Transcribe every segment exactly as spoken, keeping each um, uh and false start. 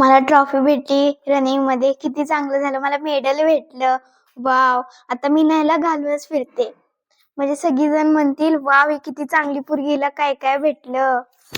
मला ट्रॉफी भेटली रनिंग मध्ये. किती चांगलं झालं, मला मेडल भेटलं. वाव, आता मी न्यायला घालूनच फिरते. म्हणजे सगळीजण म्हणतील वाव ही किती चांगली पोरगीला काय काय भेटलं.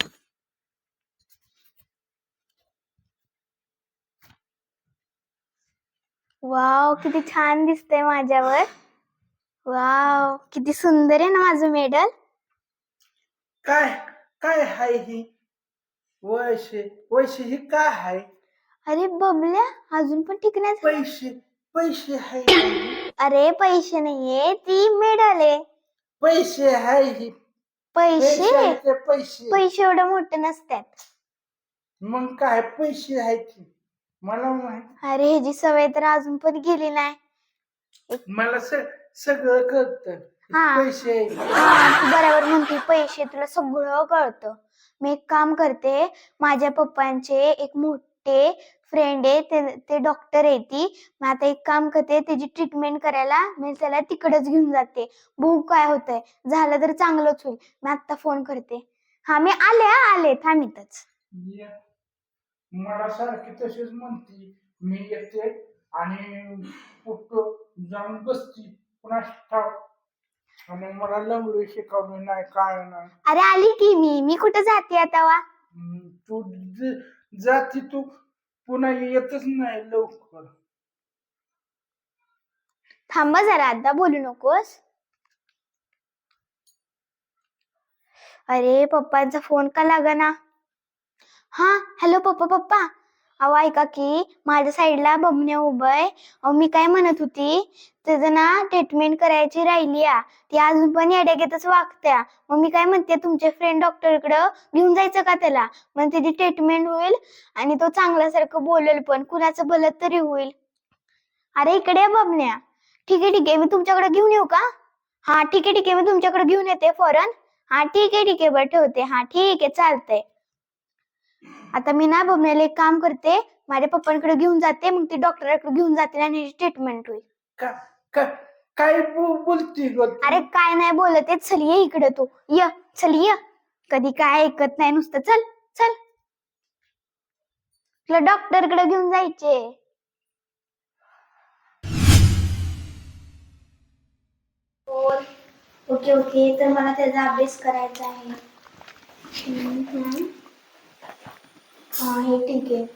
वाव, किती छान दिसतंय माझ्यावर. वाव, किती सुंदर आहे ना माझं मेडल. काय काय हाय ही वैशे वैशे ही काय हाय? अरे बबल्या, अजून पण ठीक नाही झालं. पैसे पैसे हाय ही. अरे पैसे नाहीये, ती मेडल आहे. पैसे हाय ही. पैसे पैशाचे पैसे पैसे एवढे मोठे नसतात. मग काय पैसे आहेत की मला माहित. अरे ह्याची सवय तर अजून पण गेली नाही. मला स- सगळं कळतं. हा. पैसे आहेत. हा, तू बरोबर म्हणते, पैसे तुला सगळं कळतं. मी एक काम करते, माझ्या पप्पांचे एक मोठे फ्रेंड आहे, ते ते डॉक्टर आहे. ती मग आता एक काम करते, त्याची ट्रीटमेंट करायला मी त्याला तिकडेच घेऊन जाते. बघू काय होतंय, झालं तर चांगलंच होईल. मी आता फोन करते. हा, मी आले हा, आले, थांब इथंच. ये. मला सारखी तशीच म्हणती, मी येते आणि कुठं जाऊन बसती पुन्हा ठाव. आणि मला लंगडी शिकवली नाही काय नाही. अरे आली की मी मी कुठं जाते आता वा. हम्म, तू ज- जाती तू पुन्हा येतच नाही लवकर. थांब जरा, आता बोलू नकोस. अरे पप्पांचा फोन का लागना. हा, हॅलो पप्पा. पप्पा अहो ऐका की, माझ्या साईडला बबन्या उभय. अहो मी काय म्हणत होती, त्याचं ना ट्रीटमेंट करायची राहिली आ. ती अजून पण येड्यागेतच वागत्या. मग मी काय म्हणते, तुमचे फ्रेंड डॉक्टरकडे घेऊन जायचं का त्याला. मग त्याची ट्रीटमेंट होईल आणि तो चांगल्यासारखं बोलेल पण, कुणाचं भलं तरी होईल. अरे इकडे ये बबन्या. ठीक आहे ठीक आहे, मी तुमच्याकडे घेऊन येऊ का. हा ठीक आहे ठीक आहे, मी तुमच्याकडे घेऊन येते फॉरन. हा ठीक आहे ठीक आहे, बरं ठेवते. हा ठीक आहे, चालतंय. आता मी ना बबन्याला एक काम करते, माझ्या पप्पांकडे घेऊन जाते, मग ती डॉक्टरकडे घेऊन जाते आणि ट्रीटमेंट होईल. का का- काय बो- बोलती ग तू? अरे काय नाही बोलत आहे, चल ये इकडे तू. य चल य. कधी काय ऐकत नाही नुसतं. चल चल, तुला डॉक्टरकडे घेऊन जायचे. ओके ओके, तर मला त्याचा अभ्यास करायचा आहे. हम्म, हम्म. हा हे ठीक आहे.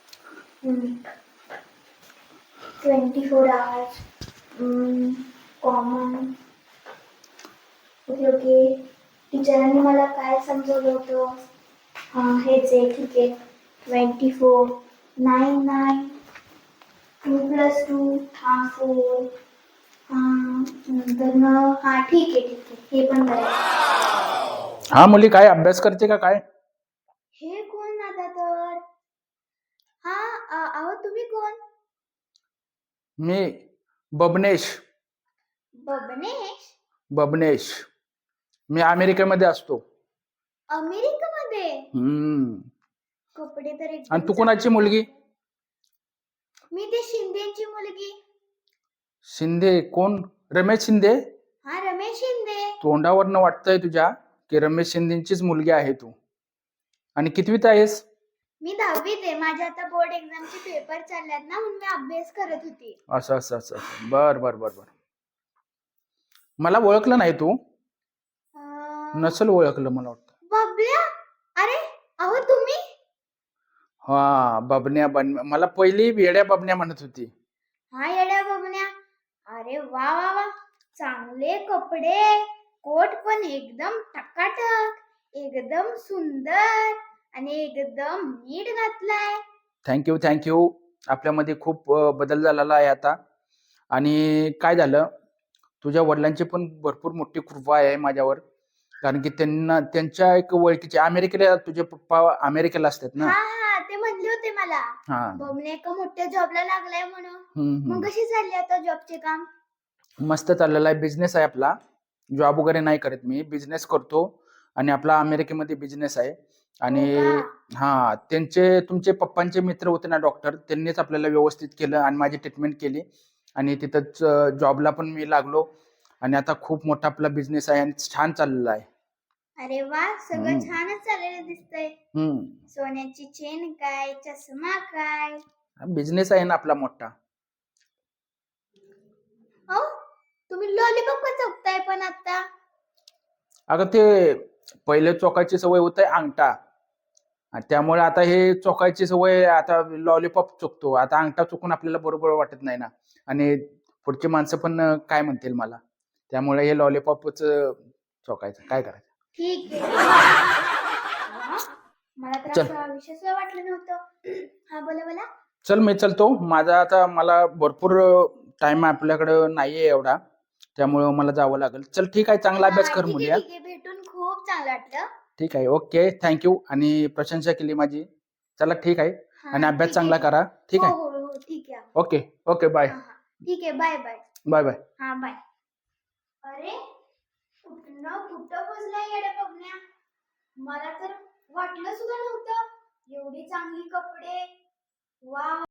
Twenty four hours common. Okay okay, टीचरांनी मला काय समजवलं होतं. हा हेच आहे, ठीक आहे. Twenty four nine nine two plus two हा फोर. हा नंतर मग हा ठीक आहे ठीक आहे, हे पण करायचं. हा मुली काय अभ्यास करते का काय? हे कोण आता तर. हा अ- अहो तुम्ही कोण. मी बबनेश. बबनेश. बबनेश मी अमेरिकेमध्ये असतो. अमेरिकेमध्ये. हम्म. कपडे तर एकदम आणि तू कोणाची मुलगी? मी ते शिंदेची मुलगी. शिंदे कोण? रमेश शिंदे. हा रमेश शिंदे. तोंडावरनं वाटतंय तुझ्या की रमेश शिंदेचीच मुलगी आहे तू. आणि कितवीत आहेस? मी दहावीत आहे. माझ्या आता बोर्ड एक्झामचे पेपर चालल्यात ना, म्हणून मी अभ्यास करत होती. असं असं असं असं. बर बर बर बर. मला ओळखलं नाही तू? अं, नसल ओळखलं मला वाटतं. बबल्या. अरे अहो तुम्ही. हा बबन्या बन मला पहिली वेड्या बबन्या म्हणत होती. हा येड्या बबन्या. अरे वा वा वा, चांगले कपडे. कोट पण एकदम टकाटक, एकदम सुंदर आणि एकदम नीट घातलाय. Thank you thank you. आपल्यामध्ये खूप अ, बदल झालेला आहे आता. आणि काय झालं, तुझ्या वडिलांची पण भरपूर मोठी कृपा आहे माझ्यावर. कारण की त्यांना त्यांच्या एक ओळखीचे अमेरिकेला, तुझे पप्पा अमेरिकेला असतात ना. हा हा, ते म्हणले होते मला. हा. बबन्या एका मोठ्या जॉबला लागलाय म्हणून. हम्म, मग कशी चालली आता जॉबचे काम. मस्त चाललेला आहे. बिझनेस आहे आपला. जॉब वगैरे नाही करत मी, बिझनेस करतो. आणि आपला अमेरिकेमध्ये बिझनेस आहे. आणि हो का? हा, त्यांचे तुमचे पप्पांचे मित्र होते ना डॉक्टर, त्यांनीच आपल्याला व्यवस्थित केलं आणि माझी ट्रीटमेंट केली. आणि तिथंच जॉबला पण मी लागलो. आणि आता खूप मोठा आपला बिझनेस आहे आणि छान चाललेला आहे. अरे वा, सगळं हम्म. छानच चाललेलं दिसतंय. हम्म सोन्याची चेन काय, चष्मा काय. बिझनेस आहे ना आपला मोठा. हो, तुम्ही लॉलीपॉप का चोखताय पण आता? अगं ते पहिले चोकायची सवय होते अंगठा, आणि त्यामुळे आता हे चोकायची सवय, आता लॉलीपॉप चोकतो. आता अंगठा चुकून आपल्याला बरोबर वाटत नाही ना, आणि पुढची माणसं पण अं, काय म्हणतील मला, त्यामुळे हे लॉलीपॉपच चोकायचं. काय करायचं. ठीक आहे. वा, मला तर चल असं विशेष वाटलं नव्हतं. हा बोला बोला. चल मी चलतो. माझा आता मला भरपूर टाइम आपल्याकडं नाहीये एवढा, त्यामुळं मला जावं लागेल. चल ठीक आहे, चांगला अभ्यास हा कर ठीक आहे मुली. हा, ठीक आहे, भेटून खूप चांगलं वाटलं. ठीक आहे. Okay, thank you. आणि प्रशंसा केली माझी. चला ठीक आहे, आणि हा अभ्यास ठीक चांगला आहे. करा. ठीक हो आहे. हो हो ठीक आहे. ओके ओके, बाय हा हा ठीक आहे, बाय बाय. Bye bye. हा बाय. अरे, कुठनं कुठं पोचला येड्या बघण्या. मला तर वाटलं सुद्धा नव्हतं एवढी चांगली कपडे. वा.